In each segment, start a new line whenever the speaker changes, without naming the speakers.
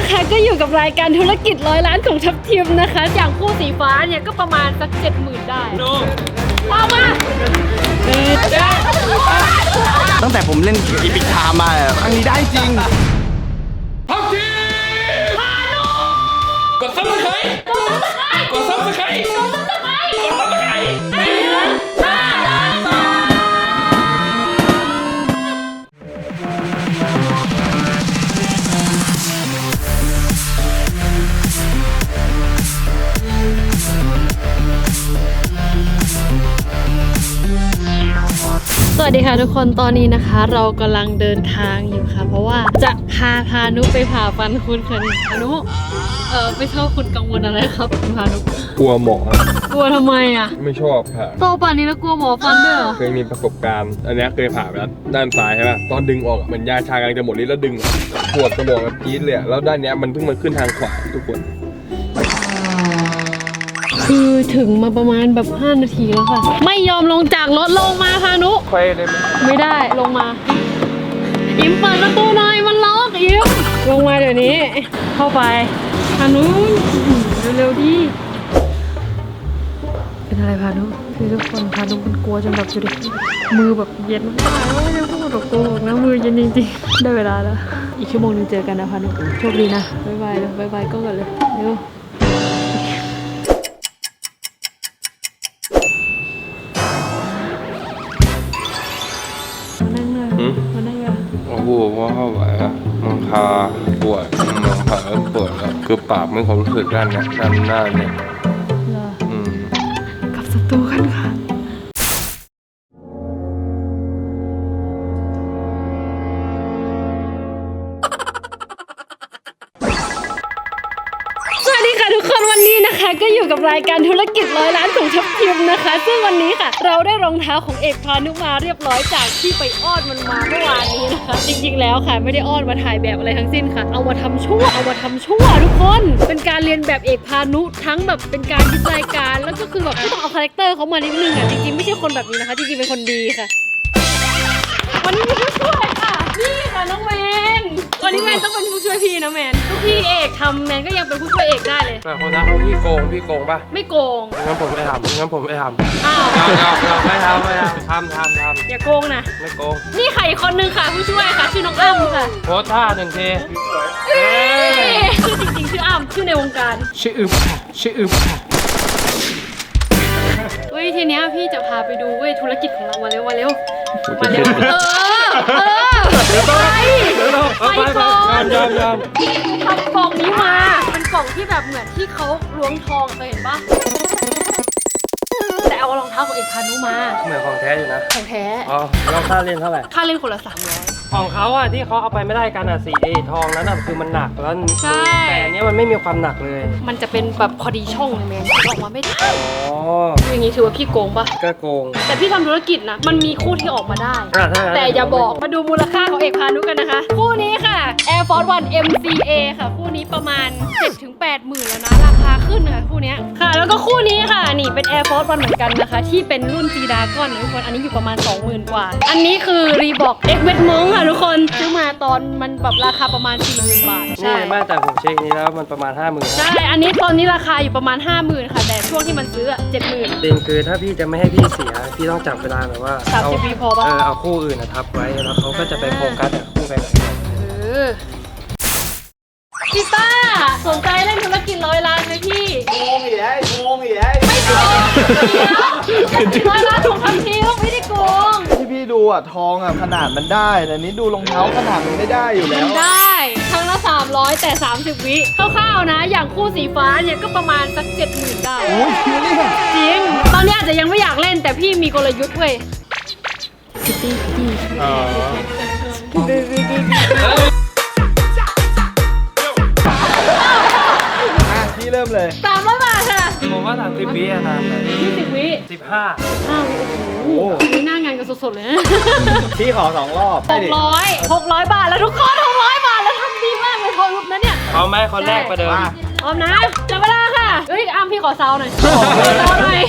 นะคะก็อยู่กับรายการธุรกิจ100 ล้านของทัพทีมนะคะอย่างคู่สีฟ้าเนี่ยก็ประมาณสัก 70,000 ได้เอามา
ตั้งแต่ผมเล่นอีพิกไทม์มาครั้งนี้ได้จริง
ทัพทีมกดซับสไครต์กดซับสไครต์กดซับสไครต์กดซับสไครต์ไปเลย
สวัสดีค่ะทุกคนตอนนี้นะคะเรากำลังเดินทางอยู่ค่ะเพราะว่าจะพานุไปผ่าฟันคุณค่ะพานุไม่ชอบคุณกังวลอะไรครับคุณพานุ
กลัวหมอก
ลัวทำไมอ่ะ
ไม่ชอบผ่า
โตป่านนี้แล้วกลัวหมอฟันด้วยเหรอ
เคยมีประสบการณ์อันนี้เคยผ่าไปแล้วด้านซ้ายใช่ไหมตอนดึงออกเหมือนยาชากำลังจะหมดฤทธิ์แล้วดึงปวดสมองแบบจี๊ดเลยแล้วด้านนี้มันเพิ่งมาขึ้นทางขวาทุกคน
คือถึงมาประมาณแบบ5 นาทีแล้วค่ะไม่ยอมลงจากรถลงมาพานุ
ไปเลย
ไม่ได้ลงมาอิมเปิดประตูหน่อยมันล็อกอิมลงมาเดี๋ยวนี้เข้าไปพานุเร็วๆดิเป็นอะไรพานุคือทุกคนพานุมันกลัวจนแบบจุดมือแบบเย็นมากแล้วยังต้องตกตัวนะมือเย็นจริงๆได้เวลาแล้วอีกชั่วโมงนึงเจอกันนะพานุโชคดีนะบ๊ายบายเลยบ๊ายบายก็กันเลยเร็ว
โอ้โหว่าเข้าไหวอะมังคาปวดมังคาปวดแล้วคือปากไม่ความรู้สึกด้านนี้ด้านหน้าเนี่ย
กับศัตรูกันค่ะทุกคนวันนี้นะคะก็อยู่กับรายการธุรกิจ100 ล้านของทัพทีมนะคะซึ่งวันนี้ค่ะเราได้รองเท้าของเอกพานุมาเรียบร้อยจากที่ไปอ้อนมันมาเมื่อวานนี้นะคะจริงๆแล้วค่ะไม่ได้อ้อนมาถ่ายแบบอะไรทั้งสิ้นค่ะเอามาทำชั่วทุกคนเป็นการเรียนแบบเอกพานุทั้งแบบเป็นการคิดรายการแล้วก็คือแบบไม่ต้องเอาคาแรคเตอร์เขามานิดนึงอ่ะจริงๆไม่ใช่คนแบบนี้นะคะจริงๆเป็นคนดีค่ะวันนี้มีผู้ช่วยค่ะนี่ค่ะน้องแมนวันนี้แมนต้องเป็นผู้ช่วยพี่นะแมนทุกพี่เอกทำแมนก็ยังเป็นผู้ช่วยเอกได้เลย
แต่คนนั้นพี่โกงป่ะ
ไม่โกง
งั้นผมไม่ทำ
อ้าว
ไม่ทำ
อย่าโกงนะ
ไม่โกง
นี่ค่ะอีกคนนึงค่ะผู้ช่วยค่ะชื่อน้องอ้ำค่ะ
โพสท่า1 ที
ชื่อจริงๆชื่ออ้ำชื่อในวงการ
ชื่ออึบ
เว้ยทีเนี้ยพี่จะพาไปดูเว้ยธุรกิจของเรามาเร็วไปก่อนพี่ทำกล่องนี้มาเป็นกล่องที่แบบเหมือนที่เขาล้วงทองเคยเห็นปะแต่เอารองเท้าของเอกพานุมา
เหมือนของแท้อยู่นะ
ของแท้
อ๋อแล้วค่าเล่นเท่าไหร่
ค่าเล่นคนละ300
ของเขาอะที่เขาเอาไปไม่ได้กันอะสีทองนั้นอะคือมันหนักแล้วแต่อันนี้มันไม่มีความหนักเลย
มันจะเป็นแบบพอดีช่องเลยแมนออกมาไม่ได้อย่างนี้ถือว่าพี่โกงปะ
ก็โกง
แต่พี่ทำธุรกิจนะมันมีคู่ที่ออกมาได้แต่อย่าบอกมาดูมูลค่าของเอกพานุกันนะคะคู่นี้ค่ะ Air Force One MCA ค่ะคู่นี้ประมาณ 7-8 หมื่นแล้วนะราคาขึ้นค่ะคู่นี้ค่ะแล้วก็คู่นี้ค่ะนี่เป็น Air Force One เหมือนกันนะคะที่เป็นรุ่นจีดาก้อนทุกคนอันนี้อยู่ประมาณ 20,000 กว่าอันนี้คือ Reebok X Wet Monk ค่ะทุกคนซื้อมาตอนมันแบบราคาประมาณ 40,000 บาท
ใช่ไม่แต่ผมเช็คนี้แล้วมันประมาณ 50,000
ใช่อันนี้ตอนนี้ราคาอยู่ประมาณ 50,000 ค่ะแต่ช่วงที่มันซื้อ 70,000
จริงคือถ้าพี่จะไม่ให้พี่เสียพี่ต้องจับเวลาแบบว่า
30 วิพอปะ
เอาคู่อื่นทับไว้แล้วเขาก็จะไปโฟกัสแต่คู่ไปไหน
พี่ต้าสนใจเล่นธุรกิจ100 ล้านไหมพี่
โกงอีกแล้ว
ไม่โกง100 ล้านถูกทำทีไม่ได้โกง
ที่พี่ดูอ่ะทองอ่ะขนาดมันได้แต่นี้ดูรองเท้าขนาดมันไม่ได้อยู่แล้ว
ได้ทั้งละ300แต่30 วิคร่าวๆนะอย่างคู่สีฟ้าเนี่ยก็ประมาณสัก 70,000 ได้
โอ้ย
จริงตอนนี้อาจจะยังไม่อยากเล่นแต่พี่มีกลยุทธ์เว้ย
พี่เริ่มเลย
300 บาทค่ะ
ผมว่า30 วินานเลย
20 วิ
15
โอ้โหนี่หน้างานกันสดๆเลยนะ
พี่ขอ2 รอบ
600 บาทแล้วทุกคน600 บาทแล้วทำดีมากเลยทอรุปนะเนี่ย
เอาไหมคนแรกประเดิม
พร้อมนะจับเวลาค่ะเฮ้ยอ้ำพี่ขอเซาหน่อยเซาหน่อย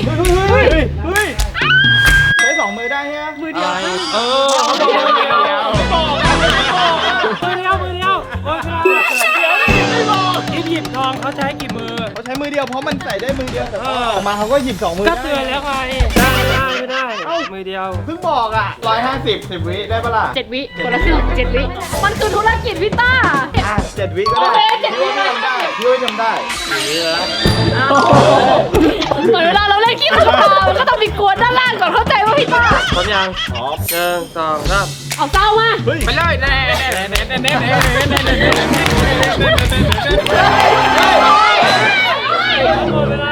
ใช้2 มือได้ใช่ไหม
มือเดียว
มือเดียว
อเดียวเพราะมันใส่ได้มือเดียวแต่พอออกมาเขาก็หยิบ2 มือ
ก็เตือนแล้วไงไม่ได้มือเดียว
เพิ่งบอกอ่ะ150 10 วิได้ปะล่ะ
7 วิคนละครึ่ง7 วิมันคือธุรกิจพี่ต้า
7 วิก็
โอ
ได้
เค7 วิเลย
พี่ว่าทำได้
เหมือนเวลาเราเล่นขี้ขาวมันก็ต้องมีกวนด้านล่างก่อนเข้าใจว่าพี่ต้า
พร้อมยัง1 2 3
เอาเศร้ามา
ไปเลยแน่หมดเวลา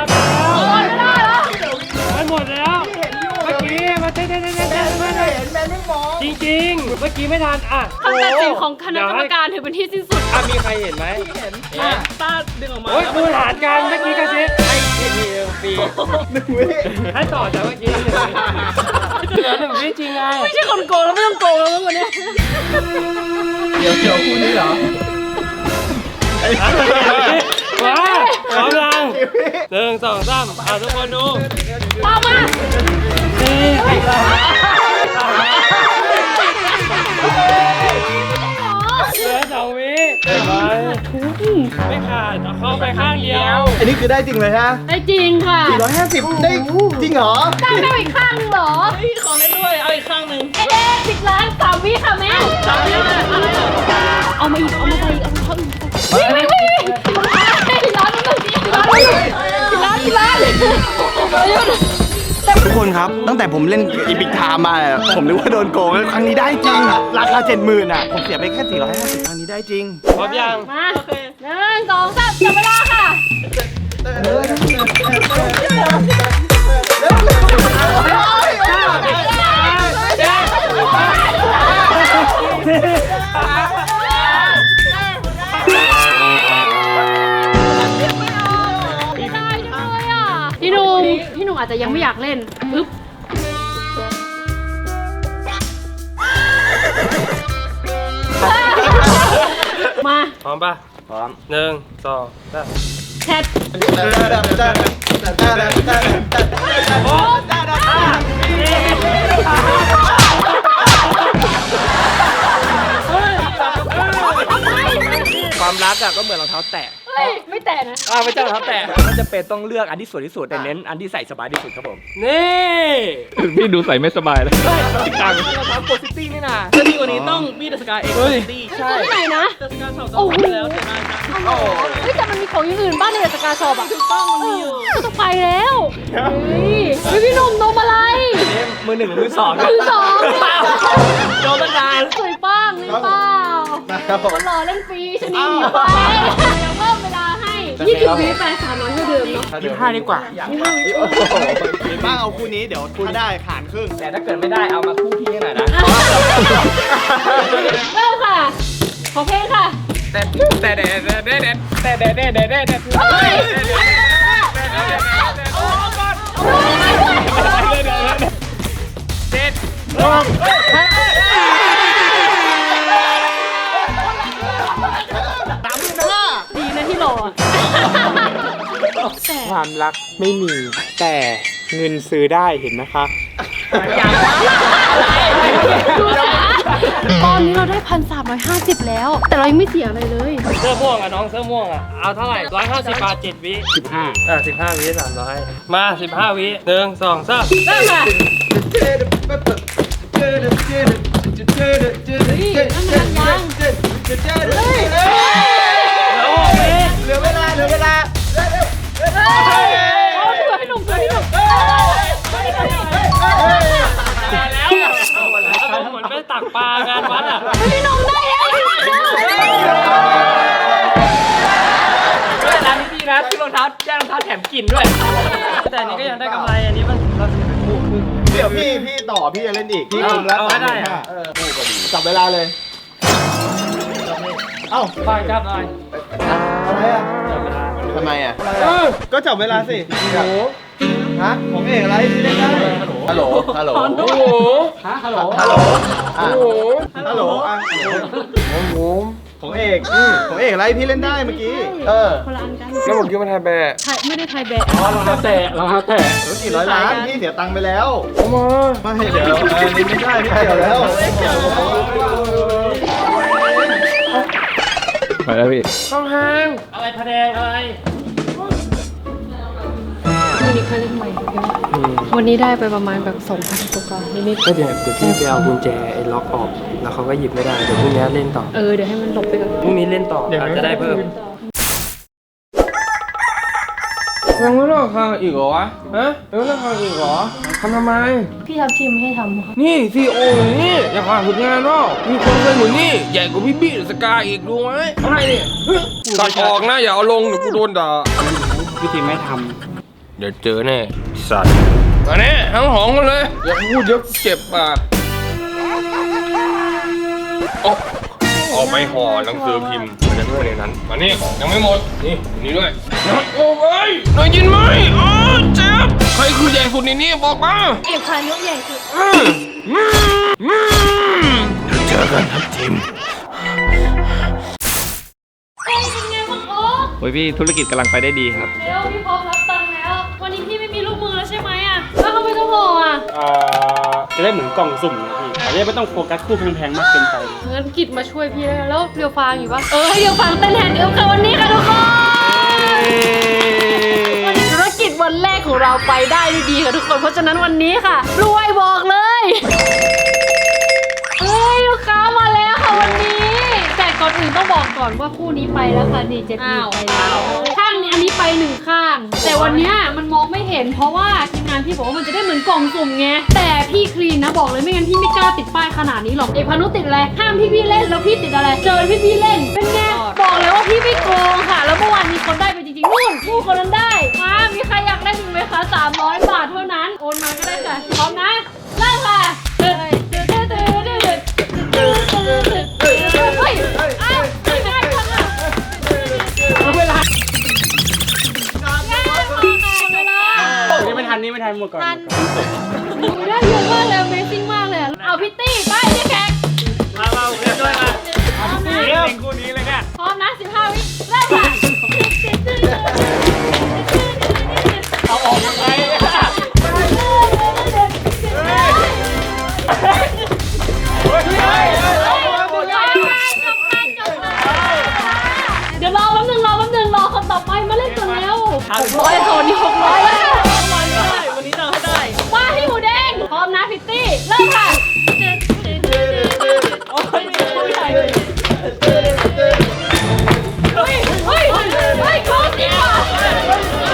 หมดแล้วเมื่อกี้มาเต้นจริงๆเมื่อกี้ไม่ทันอ่ะ
คำตัดสินของคณะกรรมการถือเป็นที่สิ้นสุด
มีใครเห็นไหม
ต้าดึงออกมา
โอ้ยคูณหารกันเมื่อกี้กระซิบไอ้ทีฟรี
1 วิ
ให้ต่อจากเมื่อกี้เหลือ1 วิจริงไง
ไม่ใช่คนโกงแล้วไม่ต้องโกงแล้วมั้งวันนี้
เดี๋ยวคู่นี้เหรอ
ว้าพร้อมยัง1 2 3ทุกคนดู
เอามา
เหลือ2 วิเห็นไหมไม่ขาดเอาเข้าไปข้างเดียว
อันนี้คือได้จริงเลยฮะ
ได้จริงค่ะ
450ได้จริงเหรอ
ได้อีกข้างหนึงเหรอ
ขอเล่นด้วย เอาอีกข้างหนึ่ง
เอ๊ะ10 ล้าน3 วิค่ะแม่เอามาอีกเอามาใส่เอามาเข้าอีกร้านนึงร้าน
ทุกคนครับ ตั้งแต่ผมเล่นอีพิกไทม์มาเนี่ยผมนึกว่าโดนโกงแล้วครั้งนี้ได้จริง ราคา 70,000อ่ะ ผมเสียไปแค่ 450ครั้งนี้ได้จริง
พร้อมยัง
มา1 2 3จับเวลาค่ะพี่หนุ่มอาจจะยังไม่อยากเล่นปึ๊บมา
พร้อมป่ะพร้อม1 2 3
แชท
ความรักอะก็เหมือนรองเท้าแตะ
เฮ้ยไม่แต่นะ
ไม่ใช่รองเท้าแตะมันจะเป็นต้องเลือกอันที่สวยที่สุดแต่เน้นอันที่ใส่สบายที่สุดครับผม
นี่
พี่ดูใส่ไม่สบายเลย
ตังรองเท้าโกซิตี้นี่นะถ้าดีกว่านี้ต้องบีดัสกาเอ็กซ์โกซิตี้ใช่
ที่ไหนนะ
ดัสกาสอบ
โอ้โห
ไปแล้วแต่ได้จ้ะ
เฮ้ยแต่มันมีของอย่างอื่นบ้างในสกาชอปอ่ะถูกต้องมันมีอยู่ก็ต้องไปแล้วเฮ้ยพี่หนุ่มนมอะไร
มือ 1 มือ 2
มือสอง
โดนตั้งนาน
สวยป้างนี่เปล่า
ครับผม
คนหล่อเล่นฟรีชนิดหนีไปยังเพิ่มเวลาให้20 วิไป300เท่าเดิมเนาะ
25ดีกว่า
บ้างเอาคู่นี้เดี๋ยวถ้าได้ขานครึ่ง
แต่ถ้าเกิดไม่ได้เอามาคู่พี่หน่อยนะ
เริ่มค่ะ ขอเพลงค่ะ
แต่
เฮ้ย ดีนะที่หล่ออะ
ความรักไม่มีแต่เงินซื้อได้เห็นไหมคะ
ดูนะตอนนี้เราได้1,350แล้ว แต่เรายังไม่เสียอะไรเลย
เสื้อม่วงอ่ะน้องเสื้อม่วงอ่ะเอาเท่าไหร่150 บาท7 วิ15 15 วิ300มา15 วิ1 2 3
เริ่มค่ะ
เหลือเวลา
เอาถือให้หนุ่มถือให้หนุ่ม
แล้วเหมือนไปตักปลางานวัดอ่ะ
พี่หนุ่มได้แล้ว
ร้านนี้ดีนะซื้อรองเท้าแจ้งรองเท้าแถมกลิ่นด้วย
แต่อันนี้ก็ยังได้กำไรอันนี้มันเราจะเป็นคู่ครึ่ง
เดี๋ยวพี่ต่อพี่จะเล่นอีกพี่คุมแล้ว
เอาให้ได้
จับเวลาเลย เอ้า
ฝากจับหน่อย
อะไรอ่ะ
จับเวลา
ทำไมอ่ะก็จับเวลาสิโอ้ฮะของเอกอะไรที่เล่นได้ฮัลโหลฮัลโหล
โอ้โห
ฮัลโหลฮัลโหลฮัลโหลฮัลโหลของเอกของเอกอะไรพี่เล่นได้เมื่อกี้
คนละอันกัน
แล้วผมคิดว่าไทยแบะ
ไม่ได้ไทยแบะ
รองเท้าแตะรองเท้าแตะ
รถ400 ล้านพี่เสียตังค์ไปแล้ว
เอามา
ไม่เดี๋ยวอันนี้ไม่ได้ไม่เกี่ยวแล้ว
ไปแล้วพี่
ต้องห่างอะไรพะแนงอะไร
นี้เคยเล่นใหม่ใช่ไหมวันนี้ได้ไปประมาณแบบ2,000กว่านิด
ก็เดี๋ยวพี่ไปเอากุญแจไอ้ล็อกออกแล้วเขาก็หยิบไม่ได้เดี๋ยวพรุ่งนี้เล่นต่อ
ๆเดี๋ยวให้มันหลบไปก่อน
พรุ่งนี้เล่นต่ออาจจะได้เพิ่มยังไม่เลิกทางอีกเหรอวะฮะยังไม่เลิกทางอีกเหรอทำไม
พี่ทับทีมให้ทำค่ะ
นี่ซีโออยู่นี่อยากผ่านฝึกงานเนาะมีคนเคยอยู่นี่ใหญ่กว่าพี่บี้สกาอีกดูไหมอะไรเนี่ยตัดออกนะอย่าเอาลงเดี๋ยวกูโดนด่า
วิธีไม่ท
เดี๋ยวเจอแน่สัตว์มาแน่ทั้งหองกันเลยอย่าพูดเยอะเจ็บปากเอาไปห่อหนังสือพิมพ์มันจะด้วยในนั้นมานี่ยังไม่หมดนี่ด้วยโอ้ยได้ยินไหมอ๋อเจ็บใครคือใหญ่สุดในนี้บอกมา
เอกพานุใหญ่สุด
เจอกันครับทีม
เป็นไงบ้างโอ๊ค
ำโอ้ยพี่ธุรกิจกำลังไปได้ดีครับ
เร็วพี่พร้อมรับตังค์แล้ว วันนี้พี่ไม่มีลูกมือแล้วใช่ไหมแล้วทำไมต้องห่อ
จะได้เหมือนกล่องสุ่มนะพี่จะได้ไม่ต้องโฟกัสคู่แพงๆมากเกินไป
งั้นกิจมาช่วยพี่แล้วเรียวฟางอยู่ปะให้เรียวฟางเต้นแทนเดียวค่ะวันนี้ค่ะทุกคนวันนี้ธุรกิจวันแรกของเราไปได้ดีค่ะทุกคน เพราะฉะนั้นวันนี้ค่ะรวยบอกเลยลูกค้ามาแล้วค่ะวันนี้ แต่ก่อนอื่นต้องบอกก่อนว่าคู่นี้ไปแล้วค่ะนี่เจ็ดปีไปแล้วข้างนี้อันนี้ไป1 ข้าง แต่วันเนี้ยมันมองไม่เห็นเพราะว่าทีมงานพี่บอกว่ามันจะได้เหมือนกล่องสุ่มไงแต่พี่คลีนนะบอกเลยไม่งั้นพี่ไม่กล้าติดป้ายขนาดนี้หรอกเอกพานุติดอะไรห้ามพี่เล่นแล้วพี่ติดอะไรเจอพี่เล่นเป็นไงบอกเลยว่าพี่ไม่โกงค่ะแล้วเมื่อวานมีคนได้ไปจริงๆนู่นผู้คนนั้นได้มามีใครอยากเล่นอีกไหมคะ300 บาทเท่านั้นโอนมาก็ได้ค่ะพร้อมนะเริ่มค่ะเฮ้ยอ้าวง่ายจังอะเวลา
นี่ไม่ทันหมดก่อน
ได้เยอะมากเลย Amazing มากเลยเอาพิตตี้ไปเจ๊แขก
มาเล่นด้วยมาเล่นคู่นี้เลยเนี่ย
พร้อมนะ15 วิเริ่มค่ะ
เอาออกยังไง
เดี๋ยวรอแป๊บนึงรอคนต่อไปมาเล่นกันแล้ว600คนนี้600แล้ว
วันนี้เราให้ได้
ว่าพี่หมูแดงพร้อมนะพิตตี้เริ่มค่ะ
โอ้ยมีคู่ใหญ่เลย
เฮ้ยโกงจริงว่ะ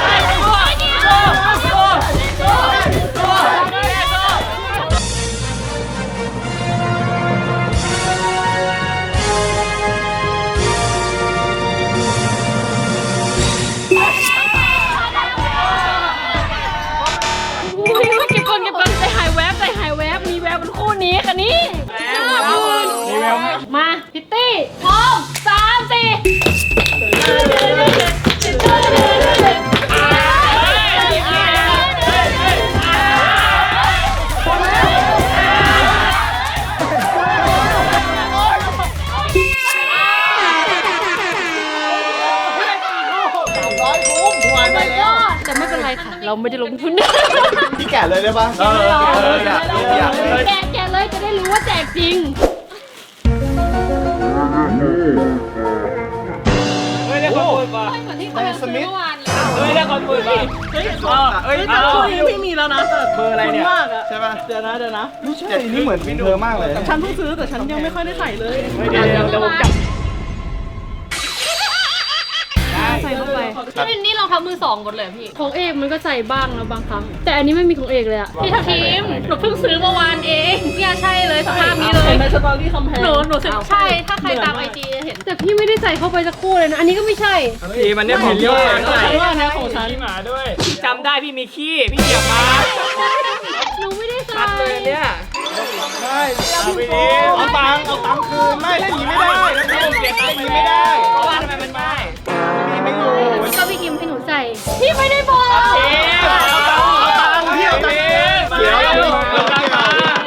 เก็บก่อนใจหายแวบมีแวบเป็นคู่นี้ค่ะนี่มาพิตตี้พร้อม3 แต่ไม่เป็นไรค่ะ เราไม่ได้ลงทุน
พี่แกะเลยได้ปะอยาก
แกะเลยจะได้รู้ว่าแจกจริง
เฮ้ยได้คนเปิดมา
เหมือนที่เขาซื้อเมื่อวานเลย
เฮ้ยได้คนเปิดมาเฮ้ยแต่คู่นี้พี่มีแล้วนะเบอร์อะไรเนี่ยใช่ป่ะเดี๋ยวนะไม่ใช่
นี่เหมือนวินเธอมากเลย
ฉันเพิ่งซื้อแต่ฉันยังไม่ค่อยได้ใส่เลยเดี๋ยวผมจับ
ใส่เข้าไปนี่รองเท้ามือ2หมดเลยพี่ของเอกมันก็ใส่บ้างนะบางครั้งแต่อันนี้ไม่มีของเอกเลยอะพี่ทัพทีมหนูเพิ่งซื้อเมื่อวานเองเนี่ยใช่เลยสภาพนี้เลย
ในสตอรี่คำแพง
หนูสึกใช่ถ้าใครตามIG จะเห็นแต่พี่ไม่ได้ใส่เข้าไปสักคู่เลยนะอันนี้ก็ไม่ใช่
ทีมันเนี่ยผมเยอะว่านะของฉันหมาด้วยจำได้พี่มีขี้พี่เหยียบมา
หนูไม่ได้ใส่
ชัดเลยเนี่ย
ใช่เอาตังค์คืนไม่เล่นอย่างนี้ไม่ได้เล่นอย่างนี้ไม่ได้
เพราะว่าทำไมมันไม่
พี่ไม่อยู่
ก็พี่กิมให้หนูใส่พี่ไม่ได้บอก
เอาตังค์พี่เอาตังค์เดี๋ยวเอาตังค์มา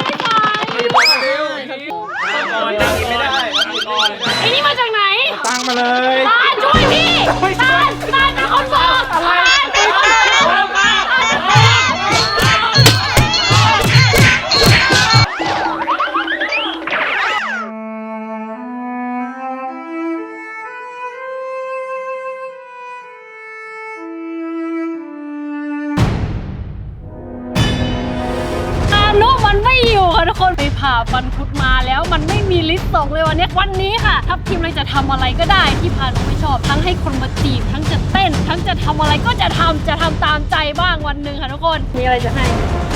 ไม่ได้
ไอ้นี่มาจากไหน
ตังค์มาเลย
ตาช่วยพี่ตาเป็นคนบอกอะไรค่ะทุกคนไปผ่าฟันคุดมาแล้วมันไม่มีลิสต์ส่งเลยวันนี้ค่ะทัพทีมเลยจะทำอะไรก็ได้ที่พานุไม่ชอบทั้งให้คนมาจีบทั้งจะเต้นทั้งจะทำอะไรก็จะทำตามใจบ้างวันหนึ่งค่ะทุกคนมีอะไรจะให้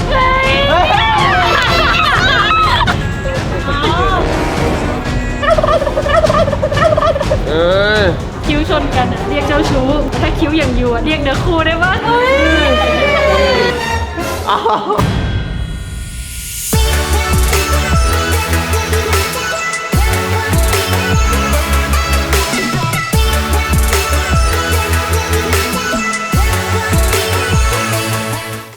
คิ้วชนกันเรียกเจ้าชู้ถ้าคิ้วอย่างยูเรียกเนื้อคู่ได้ปะ